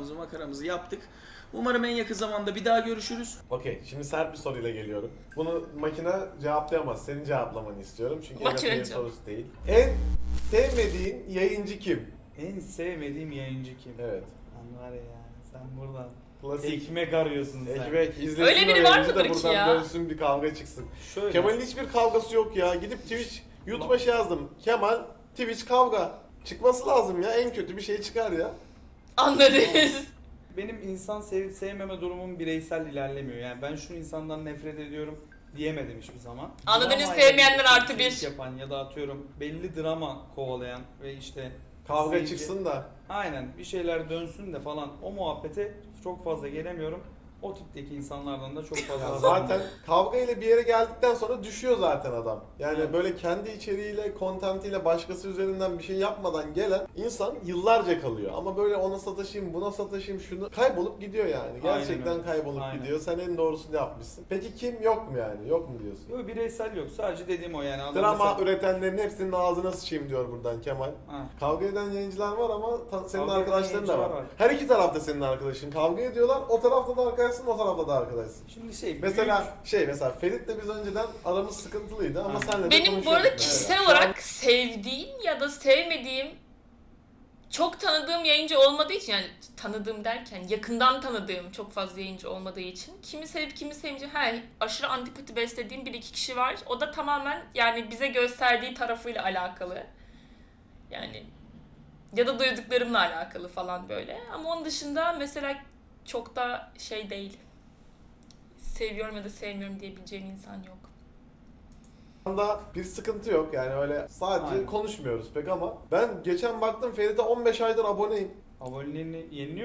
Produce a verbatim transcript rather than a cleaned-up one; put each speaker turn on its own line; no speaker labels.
şakamızı makaramızı yaptık. Umarım en yakın zamanda bir daha görüşürüz.
Okey, şimdi sert bir soruyla geliyorum. Bunu makine cevaplayamaz. Senin cevaplamanı istiyorum. Çünkü
Makine
evet,
cevap-
sorusu değil. En sevmediğin yayıncı kim?
En sevmediğim yayıncı kim?
Evet.
Lan var ya sen buradan
Klasik.
ekmek arıyorsun sen.
Ekmek izlesin
Öyle
o
biri var
yayıncı da
mıdır ki
buradan
ya?
dönsün bir kavga çıksın.
Şöyle.
Kemal'in hiçbir kavgası yok ya. Gidip Twitch, YouTube'a şey yazdım. Kemal, Twitch kavga. Çıkması lazım ya. En kötü bir şey çıkar ya.
Anladınız.
Benim insan sevip sevmeme durumum bireysel ilerlemiyor. Yani ben şu insandan nefret ediyorum diyemedim hiçbir zaman.
Anladınız,
Drama
sevmeyenler
ile
artı
içerik
bir.
yapan ya da atıyorum belli drama kovalayan ve işte
Kavga
seyirci-
çıksın da.
Aynen bir şeyler dönsün de falan o muhabbete çok fazla gelemiyorum. O tipteki insanlardan da çok fazla
Ya zaten kavga ile bir yere geldikten sonra düşüyor zaten adam. Yani
Evet.
böyle kendi içeriğiyle, kontentiyle başkası üzerinden bir şey yapmadan gelen insan yıllarca kalıyor. Ama böyle ona sataşayım, buna sataşayım, şunu kaybolup gidiyor yani. Gerçekten
öyle.
kaybolup
Aynen.
gidiyor. Sen en doğrusunu yapmışsın. Peki kim yok mu yani? Yok mu diyorsun?
Yok bireysel yok. Sadece dediğim o yani. Adam
Drama
mesela-
üretenlerin hepsinin ağzına sıçayım diyor buradan Kemal.
Ha.
Kavga eden yayıncılar var ama ta- senin
Kavga eden
arkadaşların da var.
yayıncılar var.
Her iki tarafta senin arkadaşın. Kavga ediyorlar. O tarafta da arkadaşsın, o tarafta da arkadaşsın.
Şimdi şey
Mesela
büyük-
şey mesela Ferit'le biz önceden aramız sıkıntılıydı ama
Aynen.
senle de
Benim bu
konuşuyorduk.
arada
Evet.
kişisel
Şu
olarak sevdiğim ya da sevmediğim çok tanıdığım yayıncı olmadığı için, yani tanıdığım derken yakından tanıdığım çok fazla yayıncı olmadığı için kimi sevip kimi sevmeyeceğim, he, aşırı antipati beslediğim bir iki kişi var. O da tamamen yani bize gösterdiği tarafıyla alakalı. Yani ya da duyduklarımla alakalı falan böyle. Ama onun dışında mesela çok da şey değil. Seviyorum ya da sevmiyorum diyebileceğim insan yok.
anda bir sıkıntı yok yani öyle sadece
Aynen.
konuşmuyoruz pek ama ben geçen baktım Ferit'e on beş aydır aboneyim.
aboneliğini yeniliyor